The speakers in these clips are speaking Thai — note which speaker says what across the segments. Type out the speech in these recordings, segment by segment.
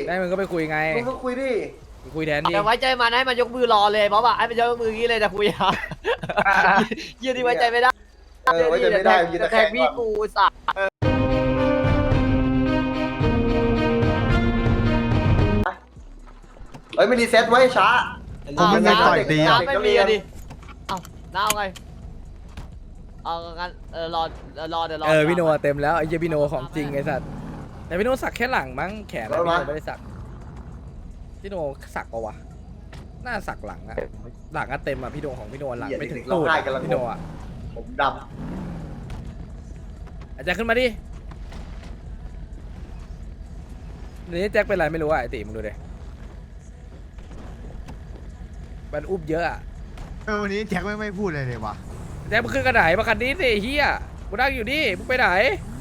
Speaker 1: ได้มึงก็ไปคุยไง
Speaker 2: ลุงก็คุยดิ
Speaker 1: คุยแทนดิ
Speaker 3: แต่ไว้ใจมันให้มันยกมือรอเลยเพราะว่าให้มันยกมืออย่างนี้เลยจะคุยอ่ะยืนที่ไว้ใจไม่ได้
Speaker 2: ไว้ใจไม่ได้ยืน
Speaker 3: จะ
Speaker 2: ตะ
Speaker 3: แท
Speaker 2: แค
Speaker 3: ง
Speaker 2: ง
Speaker 3: พี่
Speaker 2: ก่อน
Speaker 3: กูสัตว์
Speaker 2: เฮ้ยไม่รีเซ็ตไว้ช้า
Speaker 4: ผมไม่ได้ต่อยตีอ่ะ
Speaker 3: น้ำไม่มีอะดิเอ้าน้าเอาไงเอางั้นรอเดี๋ยวรอ
Speaker 1: พี่โนเต็มแล้วไอ้เหี้ยพี่โนของจริงไอ้สัตว์แต่พี่โนสักแค่หลังมั้งแขนพี่โนไม่ได้สักพี่โนสักปะวะน่าสักหลังอะหลังอะเต็มอะพี่โนของพี่โนหลังไม่ถึงตูดพี่โนอะ
Speaker 2: ผมด
Speaker 1: อาจารย์ขึ้นมาดิเดี๋ยวนี้แจ็คเป็นไรไม่รู้อะไอติมึงดูดิมันอุ้มเยอะอะ
Speaker 4: วันนี้แจ็คไม่พูดเลยเลยวะ
Speaker 1: แจ็คมึงขึ้นกระไดมาคันนี้สิเฮียกูนั่งอยู่นี่มึงไปไหน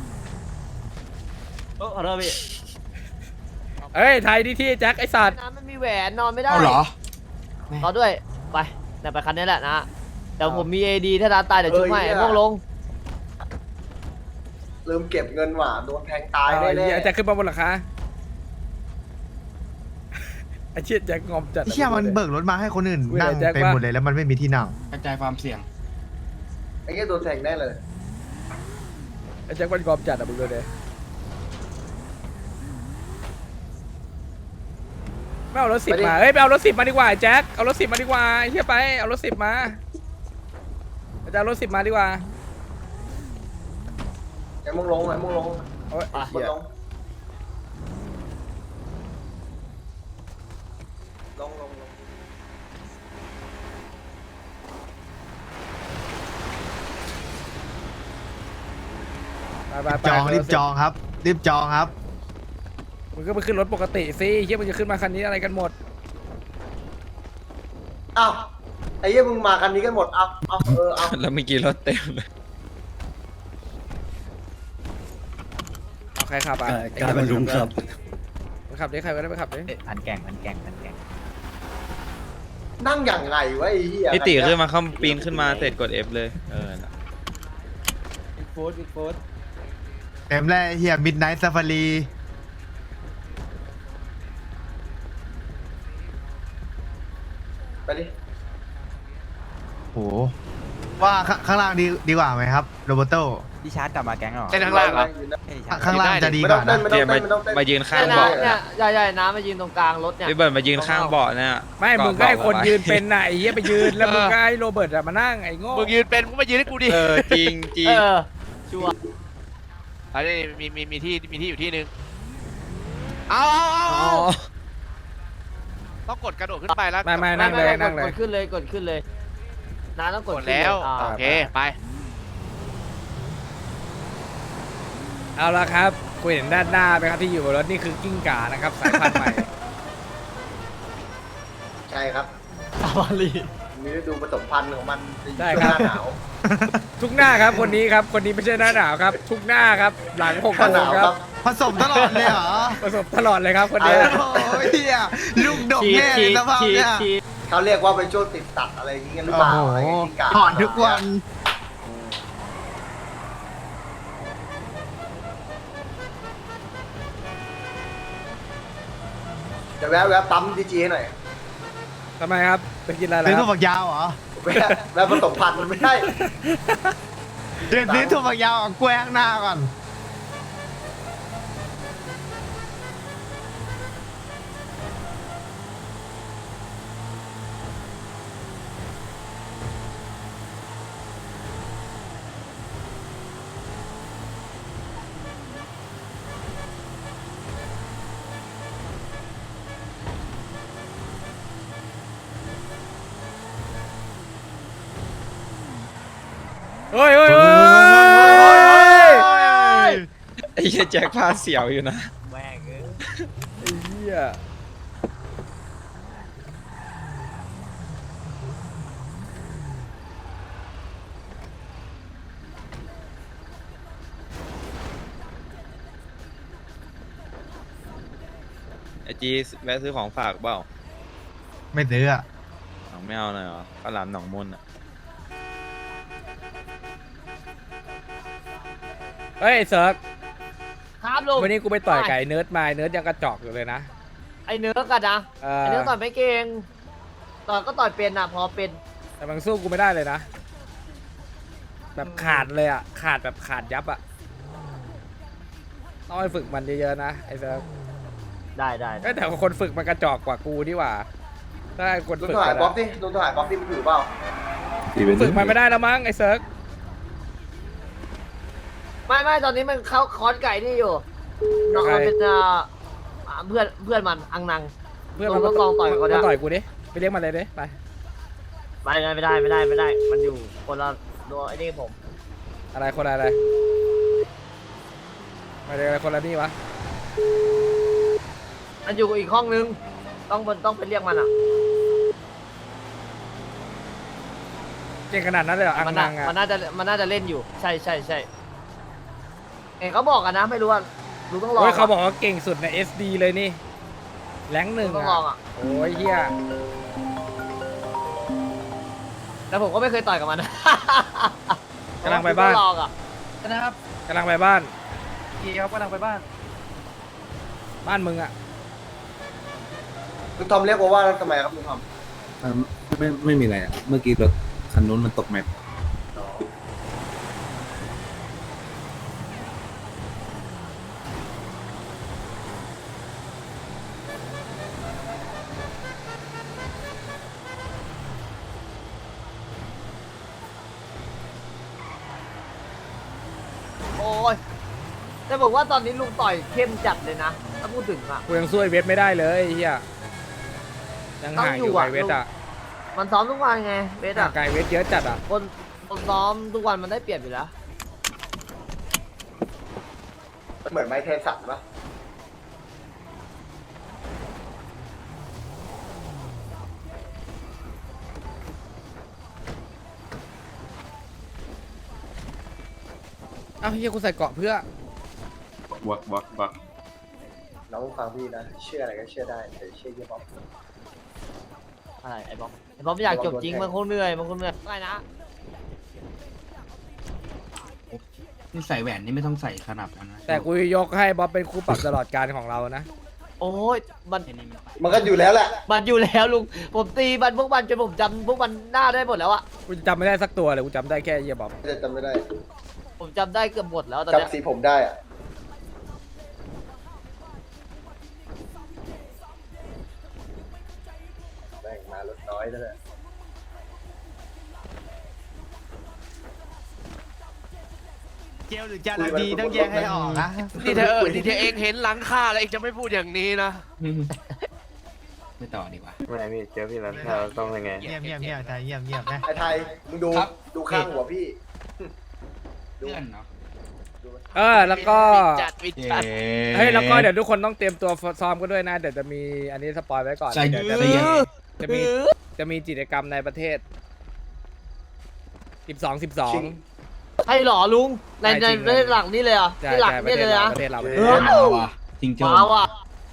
Speaker 3: ขอโทษพี่
Speaker 1: เอ้ยไทยดีที่แจ็คไอสัตว์
Speaker 3: น้ำไม่มีแหวนนอนไม่ได้
Speaker 4: เอาเหรอ
Speaker 3: รอด้วยไปเดี๋ยวไปคันนี้แหละนะเดี๋ยวผมมี AD ถ้าร้านตายเดี๋ยวจุ๊บให้พวกลง
Speaker 2: ำลืมเก็บเงินหว่าโดนแทงตาย
Speaker 1: เอา
Speaker 2: แน่
Speaker 1: ไอ้เหี้ยแจ็คขึ้นมาบนหลังคาไอเชี่ยแจ็คงอมจัด
Speaker 4: เชี่ยมันเบิกรถมาให้คนอื่นนั่งเต็มหมดเลยแล้วมันไม่มีที่นั่ง
Speaker 5: กระจายความเสี่ยง
Speaker 2: ไอ้เงี้ยโดนแทงแน่เลย
Speaker 1: ไอแจ็คมันงอมจัดอะมึงดูดิไม่เอารถสิบมาเฮ้ยไปเอารถสิบมาดีกว่าแจ็คเอารถสิบมาดีกว่าไอ้เฮียไปเอารถสิบมาอาจารย์เอารถสิบมาดีกว่า
Speaker 2: ไอ้มึงลงไอ้มึงลง
Speaker 1: เอาไว้
Speaker 2: มึงลงลง
Speaker 1: ไป
Speaker 4: จองรีบจองครับรีบจองครับ
Speaker 1: มึงก็ไปขึ้นรถปกติสิเฮียมึงจะขึ้นมาคันนี้อะไรกันหมด
Speaker 2: อ้าวไอ้เงี้ยมึงมากันนี้กันหมดเอาเอา
Speaker 6: แล้วเมื่อกี้รถเต็มเลย
Speaker 1: เอาใครขับอ่ะ
Speaker 6: การบรรลุงครับ
Speaker 1: ไปขับดิใครก็ได้ไปขับดิ
Speaker 3: พันแก่ง
Speaker 2: นั่งอย่างไงวะไอ้เหี้ย
Speaker 6: พี่ติขึ้นมาเข้าปีนขึ้นมาเสร็จกด F เลยน่ะ
Speaker 4: เต็มแล้วเฮียมิดไนท์ซาฟารี
Speaker 2: ไปดิ
Speaker 4: โหว่าข้างล่างดีกว่าไหมครับโรเบโต้
Speaker 7: ดิชาร์จกลับมาแก๊งหรอ
Speaker 5: เต้นข้างล่างเหรอ
Speaker 4: ข้างล่างจะดี
Speaker 2: ไม่
Speaker 4: ก
Speaker 2: ต้อ
Speaker 4: ว่าง
Speaker 2: เต้
Speaker 4: นะ
Speaker 2: นไม่
Speaker 6: เดี๋
Speaker 2: ต้
Speaker 6: ย
Speaker 2: อ
Speaker 6: ว
Speaker 2: งเต้นไม่ต้องเต้น
Speaker 6: มายืนข้าง
Speaker 3: เนี่ย
Speaker 6: เบาะ
Speaker 3: เนี่ยใหญ่ๆน้ำมายืนตรงกลางรถเนี่ย
Speaker 6: พี่เบิร์ดมายืนข้างเบาะเนี่ย
Speaker 1: ไม่มึงก็ให้คนยืนเป็นน่ะไอ้เฮียไปยืนแล้วมึงก็ให้โรเบิร์ตอะมานั่งไอ้โง่
Speaker 5: มึงยืนเป็นมึงมายืนให้กูดิ
Speaker 6: จริงจริง
Speaker 3: ชัวร์
Speaker 5: อันนี้มีที่อยู่ที่นึงเอา
Speaker 1: อ๋อ
Speaker 5: ต้องกดกระโดดขึ้นไปแล้ว
Speaker 1: ไม่นั่งเลยนั่งเลย
Speaker 3: กดขึ้นเลยน้าต้องก
Speaker 5: ก
Speaker 3: ด
Speaker 5: ดแล้ว
Speaker 3: ขึ้น
Speaker 5: โอเคไป
Speaker 1: เอาละครับคุยเห็นด้านหน้าไหมครับที่อยู่บนรถนี่คือกิ้งก่านะครับสายพันธุ์ใหม่
Speaker 2: ใช่ครับ
Speaker 3: ซาฟารี
Speaker 2: มีฤดูผสมพันธุ์ของมัน
Speaker 1: ใช่ครับ
Speaker 2: หน้าหนาว
Speaker 1: ทุกหน้าครับคนนี้ครับคนนี้ไม่ใช่หน้าหนาวครับ ทุกหน้าครับหลังหก
Speaker 2: หน้าห
Speaker 1: โม
Speaker 2: นาง ว
Speaker 1: ค
Speaker 2: ค
Speaker 1: รั
Speaker 2: รั
Speaker 1: บบ
Speaker 4: ผสมตลอดเลยเหรอ
Speaker 1: ประสบตลอดเลยครับคนเนี้ย
Speaker 4: โอ้ยเฮียลูกดกแน่สภาพเนี่ย
Speaker 2: เขาเรียกว่าเป็นช่วงติดตัดอะไรอย่างเงี้ยหรือเปล่า
Speaker 4: โอ้โห
Speaker 2: อะไรอย่างเงี้ย
Speaker 4: ถอนทุกวัน
Speaker 2: จะแวะปั๊มดีจีให้หน่อย
Speaker 1: ทำไมครับไปกินอะไร
Speaker 4: ซื้อ
Speaker 1: แล้
Speaker 4: ถั่ว
Speaker 1: ว
Speaker 4: ฝักยาวเหรอ
Speaker 2: แวะผสมพันธุ์มันไม่ได้
Speaker 4: เดี๋ยวซื้อถั่วฝักยาวกับกล้วยข้างหน้าก่อน
Speaker 1: เฮ้ยเฮ้ยเฮ้ย
Speaker 6: ไอ้เหี้ยแจ็คพาเสียวอยู่นะ
Speaker 3: แม่งเอ้ย
Speaker 1: ไอ้เหี้ย
Speaker 6: ไอจีแวะซื้อของฝากเปล่า
Speaker 4: ไม่ซื้ออ่ะ
Speaker 6: เอาไม่เอาเลยเหรอข้าวหลามหนองมนอ่ะ
Speaker 1: เฮ้ยเซิร์ก
Speaker 3: ครับลุง
Speaker 1: วันนี้กูไปต่อยไก่เนิร์ดมาเนิร์ดยังกระจอกอยู่เลยนะ
Speaker 3: ไอ้เนื้อกันนะ
Speaker 1: เอ
Speaker 3: ไอ้
Speaker 1: อ
Speaker 3: เนื้อต่อยไม่เก่งต่อยก็ต่อยเป็นอ่ะพอเป็น
Speaker 1: แต่มันสู้กูไม่ได้เลยนะ แบบขาดเลยอ่ะขาดแบบขาดยับอ่ะต้องไปฝึกมันเยอะๆนะไอ้เซิร์ฟ
Speaker 3: ได้
Speaker 1: เอ้ยแต่คนฝึกมันกระจอกกว่ากูนี่หว่าถ้าคน
Speaker 2: ลุง
Speaker 1: ฝึก
Speaker 2: ถ่าย
Speaker 1: มัน
Speaker 2: บล็อก
Speaker 1: อะ
Speaker 2: ดิลุงถ่ายบล็อกดิมันอยู่เปล่า
Speaker 1: ฝึกมันไม่ได้แล้วมั้งไอ้เซิร์ฟ
Speaker 3: ไม่ตอนนี้มันเข้าคอร์สไก่นี่อยู่น้องมันเป็นเพื่อนมันอังนัง
Speaker 1: เพื่อนมัน
Speaker 3: ต้องลองต่อยกับเขาดิ
Speaker 1: มาต่อยกูดิไปเรียกมันเลยดิไป
Speaker 3: ไม่ได้ มันอยู่คนละตัวไอ้นี่ผม
Speaker 1: อะไรคนอะไรมาเรียกอะไรคนละนี่วะ
Speaker 3: มันอยู่อีกห้องนึงต้องไปเรียกมันอ่ะ
Speaker 1: เก่งขนาดนั้นเลยเหรออัง
Speaker 3: มัน
Speaker 1: นังอ่ะ
Speaker 3: น่าจะเล่นอยู่ใช่เห็นเขาบอกกันนะไม่รู้ว่าลุงต้องลอง
Speaker 1: โอ้ยเขาบอกว่าเก่งสุดใน SD เลยนี่แรงค์หนึ่ง
Speaker 3: ต้องลองอ่ะ
Speaker 1: โอ้ยเฮีย
Speaker 3: แต่ผมก็ไม่เคยต่อยกับมันนะ
Speaker 1: กำลังไปบ้าน
Speaker 3: ต้องลองอ่ะ
Speaker 7: นะครับ
Speaker 1: กำลังไปบ้าน
Speaker 7: พี่ครับกำลังไปบ้าน
Speaker 1: บ้านมึงอ่ะ
Speaker 2: ลุงทอมเรียกว่าทำไมครับลุงทอม
Speaker 8: ไม่มีอะไรอะเมื่อกี้รถคันนู้นมันตกแมป
Speaker 3: โอ้ยแต่บอกว่าตอนนี้ลุงต่อยเข้มจัดเลยนะถ้าพูดถึงอ่ะ
Speaker 1: กูยังสู้ไอ้เวทไม่ได้เลยไอ้เฮียยังห่างอยู่
Speaker 3: ต้องอยู่อะ
Speaker 1: ไอ้เวทอ่ะ
Speaker 3: มันซ้อมทุกวันไงเวท
Speaker 1: ห่า
Speaker 3: อ่ะ
Speaker 1: งไกลเวทเยอะจัดอ่ะ
Speaker 3: คนซ้อมทุกวันมันได้เปรียบอยู่แล้ว
Speaker 2: เหมือนไม้เทสันปะ
Speaker 1: เอ้าเฮียกูใส่เกราะเพื่อ
Speaker 8: วัก
Speaker 2: น้องฟังพี่นะ เชื่ออะไรก็เชื่อได้แต่เชื่อยี่ห้อ
Speaker 3: อะไรไอ้บอมไม่อยากจบจริงมันคงเหนื่อยไม่นะ
Speaker 8: นี่ใส่แหวนนี่ไม่ต้องใส่ขนาดนั้นนะ
Speaker 1: แต่กูยกให้บ๊อบเป็นคู่ปรับตลอดการของเรานะ
Speaker 3: โอ้ยมัน
Speaker 2: มันก็อยู่แล้วแหละ
Speaker 3: มันอยู่แล้วลุงผมตีมันพวกมันจนผมจำพวกมันหน้าได้หมดแล้วอะ
Speaker 1: กูจำไม่ได้สักตัวเลยกูจำได้แค่เฮียบ๊อบ
Speaker 2: จะจำไม่ได้
Speaker 3: ผมจำได้เกือบหมดแล้วตอนเนี้ย
Speaker 2: จำสีผมได้อะแม่งมารถน้อยนั่นแหละ
Speaker 4: เจลหรือจาระดีต้องแยกให้ออกนะ
Speaker 5: นี่เธอเองเห็นหลังค่าแล้วเองจะไม่พูดอย่างนี้นะ
Speaker 8: ไม่ต่อดีกว่า
Speaker 9: ไม่พี่เจอพี่แล้วเราต้องยังไง
Speaker 4: เยี่ยมไทยเยี่ยมนะ
Speaker 2: ไอ้ไทยมึงดู
Speaker 8: ครับ
Speaker 2: ดูข้างหัวพี่
Speaker 8: เพื่อนเนาะ
Speaker 1: แล้วก็
Speaker 5: จัดวิจัด
Speaker 1: เฮ้ยแล้วก็เดี๋ยวทุกคนต้องเตรียมตัวซ้อมกันด้วยนะเดี๋ยวจะมีอันนี้สปอยไว้ก่อน
Speaker 8: ใส่
Speaker 1: เดี๋ยว
Speaker 8: ใส่เย็น
Speaker 1: จะมีกิจกรรมในประเทศ
Speaker 2: ชิง
Speaker 1: 12
Speaker 3: ใช่หรอลุงใน
Speaker 1: ใช่จริงเลย
Speaker 3: หลังนี่เลยเหรอ่ะ
Speaker 1: ใช่
Speaker 3: ที่หลัง
Speaker 1: ใช่
Speaker 3: นี่เลยนะ
Speaker 1: ประเทศเรา
Speaker 2: เออ
Speaker 8: เอาว่ะจริงโจ้
Speaker 3: ว้าวอ่ะ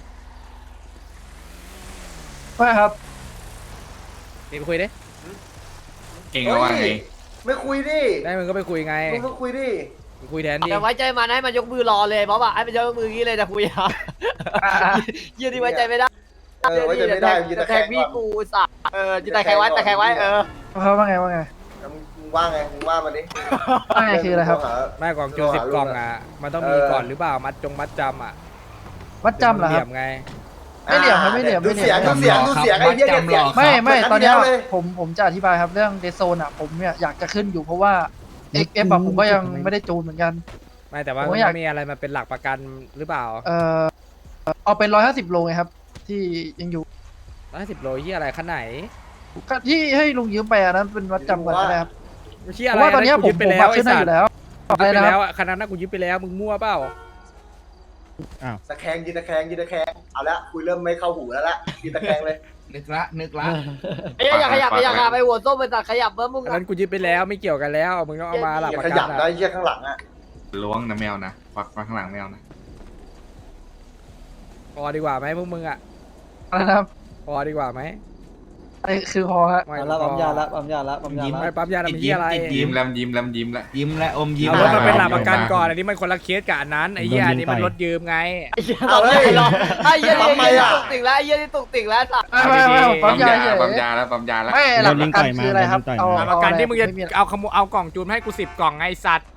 Speaker 7: ว่าครับ
Speaker 1: นี่ไปคุยดิ
Speaker 8: เก่งเอาว่าไง
Speaker 2: ไม่คุยดิ
Speaker 1: ได้มึงก็ไปคุยไง
Speaker 2: มึงก็คุยดิ
Speaker 1: ไปคุยแทนดิ
Speaker 3: แต่ไว้ใจมันให้มันยกมือรอเลยเพราะว่าให้มันยกมืออย่างนี้เลยจะคุยอ่ะยืนที่ไว้ใจไม่ได้
Speaker 2: ไว้ใจไม่ได้ยืน
Speaker 3: แต่
Speaker 2: ตะ
Speaker 3: แข
Speaker 2: แค
Speaker 3: ก
Speaker 2: ง
Speaker 3: พี่
Speaker 2: ก่อน
Speaker 3: กูสัตว์ยืนแต่แขกไว้แต่แขกไว้
Speaker 7: เขาว่าไง
Speaker 2: มึงว่าไงมึงว่ามาดิ
Speaker 7: ว่าไงคืออะไรครับ
Speaker 1: แม่กล่องจู10 กล่องอ่ะมันต้องมีก่อนหรือเปล่ามัดจำอ่ะ
Speaker 7: วัดจำเหรอ
Speaker 1: เห
Speaker 7: ค
Speaker 1: ลี่
Speaker 7: รั
Speaker 1: ย
Speaker 7: บ
Speaker 1: มไง
Speaker 7: ไม่เหลี่ยมครับไม่เหลี่ยม
Speaker 2: ดูเสียงดูเสียงดูเสียงไอ้เหี้ยเนี่ยเสียง
Speaker 7: ไม่ตอนเนี้ย
Speaker 2: เลย
Speaker 7: ผมจะอธิบายครับเรื่องเดโซนอ่ะผมเนี่ยอยากจะขึ้นอยู่เพราะว่า XF อะผมก็ยังไม่ได้จูนเหมือนกัน
Speaker 1: ไม่แต่ว่า
Speaker 7: ผม
Speaker 1: มัน
Speaker 7: ก็อยาก
Speaker 1: ต้องมีอะไรมาเป็นหลักประกันหรือเปล่า
Speaker 7: เอาเป็น150 โลไงครับ ที่ยังอยู่
Speaker 1: 150 โลที่อะไรขั้นไหน
Speaker 7: ก็ที่ให้ลุงยืมไปอันนั้นเป็นวัดจำก่อนก็ได้ครับ
Speaker 1: เชี่ย
Speaker 7: เพ
Speaker 1: อะไร
Speaker 7: ราะว่าตอนเนี้ย
Speaker 1: กู
Speaker 7: ผม
Speaker 1: ยึดไป
Speaker 7: ผม
Speaker 1: แล้ว
Speaker 7: มา
Speaker 1: ไอ้
Speaker 7: ขึ้นได้
Speaker 1: สั
Speaker 7: อ
Speaker 1: ตว์
Speaker 7: ยู่แล้ว
Speaker 1: ยึด
Speaker 7: อะไร
Speaker 1: ไป
Speaker 7: นะค
Speaker 1: แล้
Speaker 7: รับ
Speaker 1: วอ่ะคันนั้นน่ะกูยึดไปแล้วมึงมั่วเปล่า
Speaker 2: ตะแคงยืนตะแคงยืนตะแคงเอาละคุยเริ่มไม่เข้าหูแล้วละยืนตะแคงเลย
Speaker 8: นึกละ
Speaker 3: ไอ้อย่าขยับไปหัวส้มไปตัดขยับเบิ้มมึง
Speaker 1: อันนั้นกูยึดไปแล้วไม่เกี่ยวกันแล้วมึงต้องเอามาหลัก
Speaker 2: อย่า
Speaker 1: ประ
Speaker 2: ข
Speaker 1: กั
Speaker 2: ยั
Speaker 1: น
Speaker 2: บ
Speaker 1: อ่ะ
Speaker 2: ได้เหี้ยข้างหลังอ่ะ
Speaker 8: ล้วงนะแมวนะวักข้างหลังแมวนะ
Speaker 1: พอดีกว่าไหมพวกมึงอ่ะ
Speaker 7: อะไรนะครับ
Speaker 1: พอดีกว่าไหม
Speaker 7: ไอ้คือพอฮะ
Speaker 1: ไม่ปั๊มยาละปั๊มยาละไม่ปั๊มยาละมันเหี้ยอะไร
Speaker 8: ยิ้มแล้วยิ้มแล้วยิ้มแล้ว
Speaker 4: ยิ้มและอมยิ้ม
Speaker 1: เอารถมาเป็นหลักประกันก่อนอันนี้มันคนละเคสกับอันนั้นไอ้เหี้ยอันนี้มันรถยืมไง
Speaker 3: ไอ้เหี้ยตอนนี้รอไอ้เหี้ยนี่ตุกติ่งแล้วไอ้เหี้ยนี่ตุกติ่งแล้วสัตว์
Speaker 7: ไม่ผมปั๊มยาเฉย
Speaker 8: ปั๊มยาแล้วปั๊มยาแล้ว
Speaker 7: ไม่หลักประกันคืออะไรครับเอา
Speaker 1: หลักประกันที่มึงจะ
Speaker 7: ไ
Speaker 1: เอาเอากล่องจูนให้กู10 กล่องไงสัตว์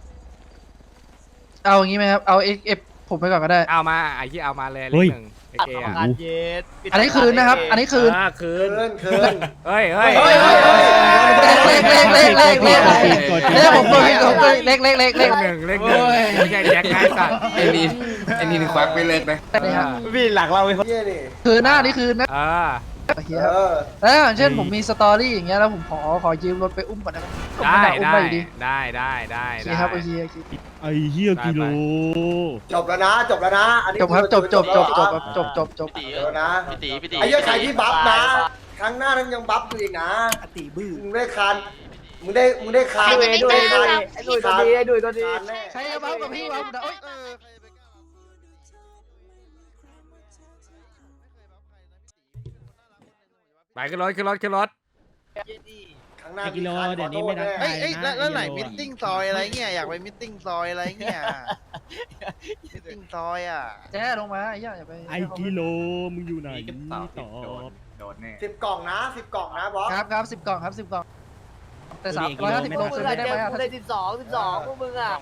Speaker 7: เอาอย่างงี้ไหมครับเอาเอฟผมไปก่อนก็ได้
Speaker 1: เอามาไอ้ที่เอามาเลยเลขหนึ่งไอ้เก
Speaker 3: ประ
Speaker 1: อ่ะ
Speaker 3: กันเย็ด
Speaker 7: อันนี้คืนนะครับ อันนี้คืน
Speaker 1: คื
Speaker 2: เกิ
Speaker 1: น
Speaker 2: นเกิน
Speaker 1: เฮ้ย
Speaker 7: เลขผมตัวเลข
Speaker 1: เลขหนึ่งไม่ใช่แจ็คไงสัตว์
Speaker 8: ไอ้นี่ควักไปเลิกนะ
Speaker 2: พี่หลักเราไปเยี่ยนี่
Speaker 7: คืนหน้านี่คืนนะ โอเคครับ แล้วอย่างเช่นผมมีสตอรี่อย่างเงี้ยแล้วผมขอยืมรถไปอุ้มก่อนได้ไหมผมไม่อยากอุ้มไปอยู่ดี
Speaker 1: ได้
Speaker 7: โอเคครับโอเค
Speaker 10: ไอ้เหี้ยกิโล
Speaker 2: จบแล้วนะจบแล้วนะอันนี้
Speaker 7: จบครับจบ
Speaker 2: แล้วนะ
Speaker 5: พี่ตี
Speaker 2: ไอ้เหี้ยใครที่บัฟนะครั้งหน้านั้นยังบัฟอยู่อีกนะตีบื้อมึงได้คันมึงได้คัน
Speaker 3: ไอ้ดุยตัวดีไอ้ดุยตัวดี
Speaker 7: ใครจะเบ้ากับพี่วะโอ๊ย
Speaker 1: ไปขึ้นรถ
Speaker 2: ครั้งหน้ากิโลเดี๋ยวนี้ไม่ได้
Speaker 10: เอ้ยแล้วไหนมิทติ้ง
Speaker 5: ซอยอะไรเงี้ยอยากไปมิทติ้งซอยอะไรเงี้ยมิทติ้งซอยอ่ะ
Speaker 7: แจ้ลงมาไอ้ย่าอย่าไป
Speaker 10: ไอ้กิโลมึงอยู่ไหนตอบ
Speaker 8: โดนแน่
Speaker 2: 10 กล่องนะ10 กล่องนะบอส
Speaker 7: ครับ10 กล่องครับ10 กล่องแต่350
Speaker 3: พ
Speaker 7: โล
Speaker 3: วกมึ
Speaker 7: ซื้
Speaker 3: ง
Speaker 7: อ
Speaker 3: อ่ะ
Speaker 7: ไม่ได้
Speaker 3: เจ
Speaker 7: ไหม
Speaker 3: อกูเลย12พวกมึงอ่ะ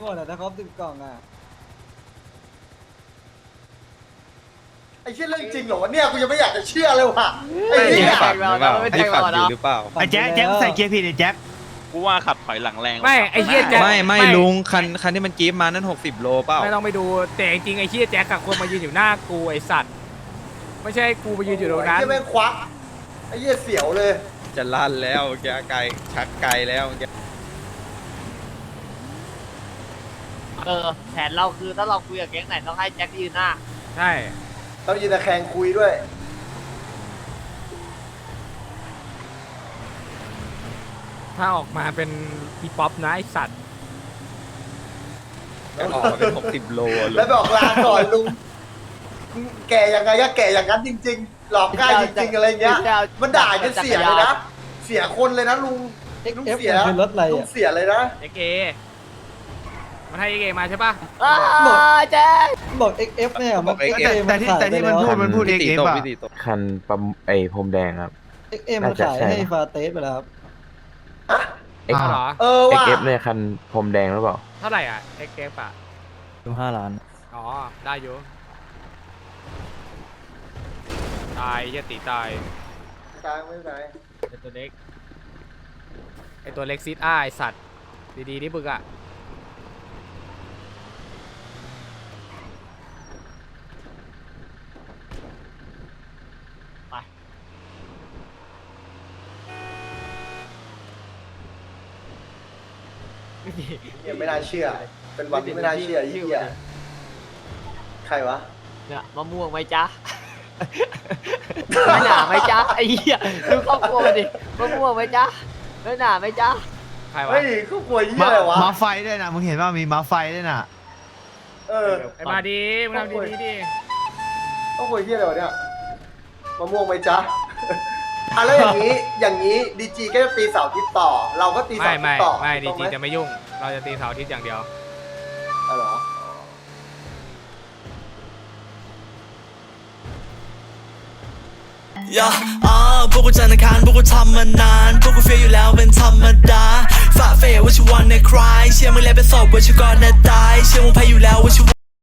Speaker 2: ไอ้เชี่ยเรื่องจริงเหรอวะเนี่ยกูยังไม่อยากจะเชื่อเลยว่ะไอ้
Speaker 6: ไอ้
Speaker 2: เหี้
Speaker 6: นี่
Speaker 2: ย
Speaker 6: ฝักหรือเปล่าไอ้ฝักอยู่หรือเปล่า
Speaker 4: ไอ้แจ็คใส่เกียร์ผิดไอ้แจ็ค
Speaker 5: กูว่าขับถอยหลังแรง
Speaker 1: ไม่ไอ้เหี้ยแจ็ค
Speaker 6: ไม่ลุงคันที่มันกรี๊บมานั่น60 โลเปล่า
Speaker 1: ไม่ต้องไปดูแต่จริงไอ้เหี้ยแจ็คกับคนมายืนอยู่หน้ากูไอ้สัตว์ไม่ใช่กูไปยืนอยู่ตรงนั้น
Speaker 2: ไอ้เหี้ยแม่งควักไอ้เหี้ยเสียวเลย
Speaker 6: จะลั่นแล้วแกไกลชักไกลแล้วแก
Speaker 3: แผนเราคือถ้าเราคุยกับแก๊งไหนต้องให้แจ็คยืนหน้า
Speaker 1: ใช่
Speaker 2: ต้องยืนตะแคงคุยด้วย
Speaker 1: ถ้าออกมาเป็นอีป๊อปนะไอ้สัตว์
Speaker 6: ออกมาเป็น60 โลลุ
Speaker 2: แล้ว
Speaker 6: ง
Speaker 2: บอกลาก่อนลุงแก่ยังไงก็แก่อย่างนั้นจริง ๆ หลอกง่ายจริงๆอะไรเงี้ยมันด่าจนเสียเลยนะเสียคนเลยนะลุงเสียลุงเสียเลยนะ
Speaker 1: เอ็กเอมันให้เอ็กเอมาใช่ป่ะ
Speaker 3: แจ็ค
Speaker 6: บอกไอ้เอฟ
Speaker 4: แต่ที่มันพูดเอง
Speaker 6: พี่ตี
Speaker 4: เอง
Speaker 6: ตก
Speaker 4: ป่ะ
Speaker 6: พี่ตีตก
Speaker 9: คันปั๊มไอ้พรมแดงครับน่าจะใช่นะ
Speaker 2: เอ็ก
Speaker 1: เอาเหรอ
Speaker 2: ว่า
Speaker 9: XF เนี่ยคันพรมแดงหรือเปล่า
Speaker 1: เท่าไหร่อ่ะเอ็กเอฟอ่ะ
Speaker 10: 5 ล้าน
Speaker 1: อ๋อได้อยู่ตายเหี้ยตีตาย
Speaker 2: ตายไม่เป็นไร
Speaker 1: ไอตัวเล็กไอตัวเล็กซิดอ้าไอสัตว์ดีๆนี่บึกอ่ะ
Speaker 2: เนี่ยไม่น่าเชื่อ เป็นวันที่ไม่น่าเชื่อไอ้เหี้ยใครวะ
Speaker 3: เนี่ยมะม่วงไหมจ๊ะไม่หนาไหมจ๊ะไอ้เหี้ยดูครอบครัวมันดิมะม่วงไหมจ๊ะไม่หนาไหมจ๊ะ
Speaker 1: ใครวะ
Speaker 2: เฮ้ยเขากลัวเหี้ยอะไรวะ
Speaker 4: มาไฟด้วยนะมึงเห็นว่ามีมาไฟด้วยน่ะ
Speaker 2: เออ
Speaker 1: ไอมาดีมึงทำดีๆดิ
Speaker 2: เขากลัวเหี้ยอะไรวะเนี่ยมะม่วงไหมจ๊ะอ่ะแล้วอย่างนี้ดีจีก็จะตีเสาร์อาทิตย์ต่อ เราก็ตีเสา
Speaker 1: ไม่
Speaker 2: ร์อาทิตย์ต่อ
Speaker 1: ไม่ดี
Speaker 2: ถูก
Speaker 1: จี
Speaker 2: ต้องไหม
Speaker 1: จะไม่ยุ่ง เราจะตีเสาร์อาทิตย์อย่างเดียว
Speaker 2: อ๋อเหรอ
Speaker 11: พวกกูจันทร์อังคารพวกกูทำมานานพวกกูเฟียอยู่แล้วเป็นธรรมดาฝ่าเฟยว่าชิวันในคลายเชื่อมึงแล้วเป็นศพว่าชิวก่อนนะตายเชื่อมึงแพ้อยู่แล้วว่าชิ